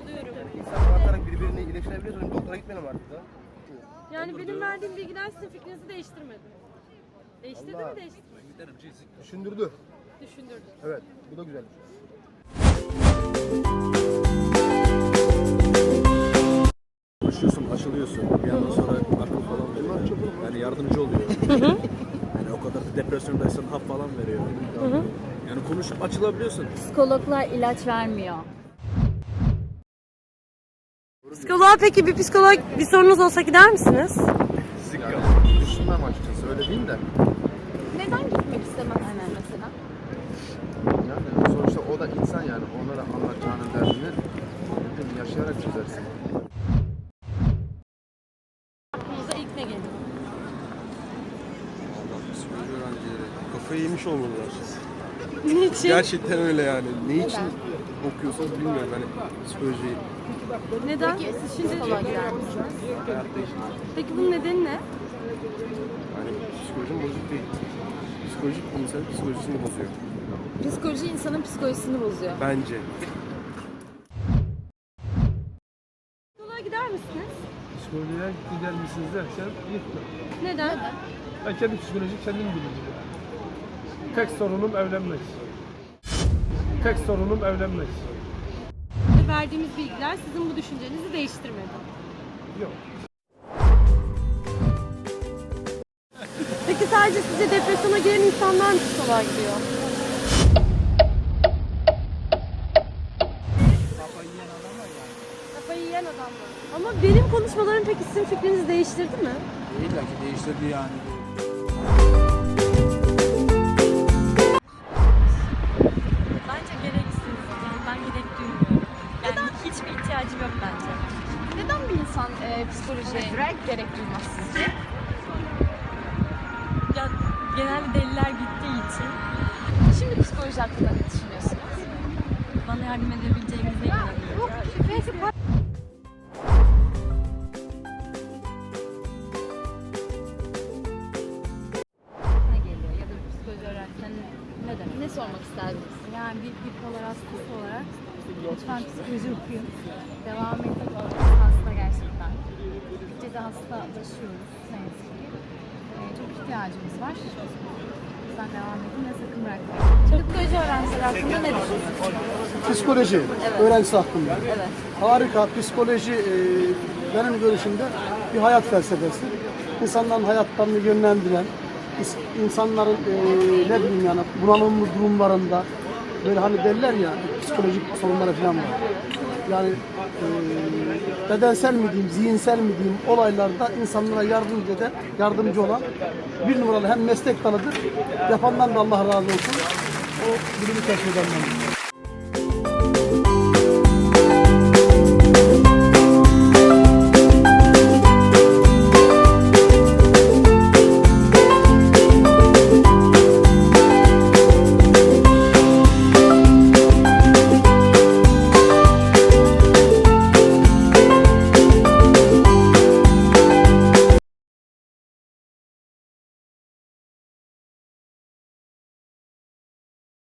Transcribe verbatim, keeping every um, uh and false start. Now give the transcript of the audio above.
alıyorum. İnsanlar artarak birbirini iyileştirebiliyorsun. Doktora gitmeyelim artık da. Yani benim verdiğim bilgiler sizin fikrinizi değiştirmedi. Değiştirdi Allah. mi değiştirmedi? Düşündürdü. Düşündürdü. Evet, bu da güzel. Konuşuyorsun, aşılıyorsun. Bir yandan sonra akıl falan veriyor. Yani yardımcı oluyor. Yani o kadar da depresyondaysan hap falan veriyor. Yani konuşup açılabiliyorsun. Psikologlar ilaç vermiyor. Psikoloğa peki bir psikolog bir sorunuz olsa gider misiniz? Düşünmem açıkçası, öyle değil de. Neden gitmek istemezsiniz mesela? Yani sonuçta o da insan yani. Onlara anlatacağının derdini yaşayarak çözersin. Aklınıza ilk ne geliyor? Psikoloji öğrencileri kafayı yemiş olmalılar. Niçin? Gerçekten öyle yani. Ne için okuyorsanız bilmiyorum hani psikolojiyi. Neden? Peki Siz siz şimdi psikoloğa gider misiniz? Hayatta için. Peki bunun nedeni ne? Hani psikolojim bozuk değil. Psikolojik insanın psikolojisini bozuyor. Psikoloji insanın psikolojisini bozuyor. Bence. Psikoloğa gider misiniz? Psikolojiye gider misiniz derken gitme. Neden? Ben kendi psikoloji kendim bilirim. Tek sorunum evlenmek. Tek sorunum evlenmek. Verdiğimiz bilgiler sizin bu düşüncenizi değiştirmedi. Yok. Peki sadece sizce depresyona giren insanlar mı psikoloğa gidiyor? Kafayı yiyen adamlar. Ama benim konuşmalarım peki sizin fikrinizi değiştirdi mi? İlla ki değiştirdi yani. Bence gereksiz. Yani ben gerek duymuyorum. Yani hiçbir ihtiyacım yok bence. Neden bir insan e, psikolojiye gerek duymaz sizce? Ya genelde deliler gittiği için Şimdi psikoloji hakkında ne düşünüyorsunuz? bana yardım edebileceğinize inanıyorum. Ne geliyor ya da bir psikoloji öğrenciden ne demek? Ne sormak isterdiniz? Yani bir bipolar hastası olarak lütfen psikoloji okuyun. Devam edin. Hasta gerçekten. Gittikçe de hastalaşıyoruz ne yazık ki. Ee, çok ihtiyacımız var. O yüzden devam edin ve sakın bırakmayın. Psikoloji öğrencileri hakkında ne düşünüyorsunuz? Psikoloji öğrencisi hakkında. Evet. Harika. Psikoloji e, benim görüşümde bir hayat felsefesi. İnsanların hayatlarını yönlendiren, is- insanların e, ne bileyim yani bunalımlı durumlarında böyle hani derler ya psikolojik sorunları falan var. Yani e, bedensel mi diyeyim, zihinsel mi diyeyim olaylarda insanlara yardımcı eden, yardımcı olan bir numaralı hem meslek dalıdır. Yapandan da Allah razı olsun. O bilimi keşfedenler.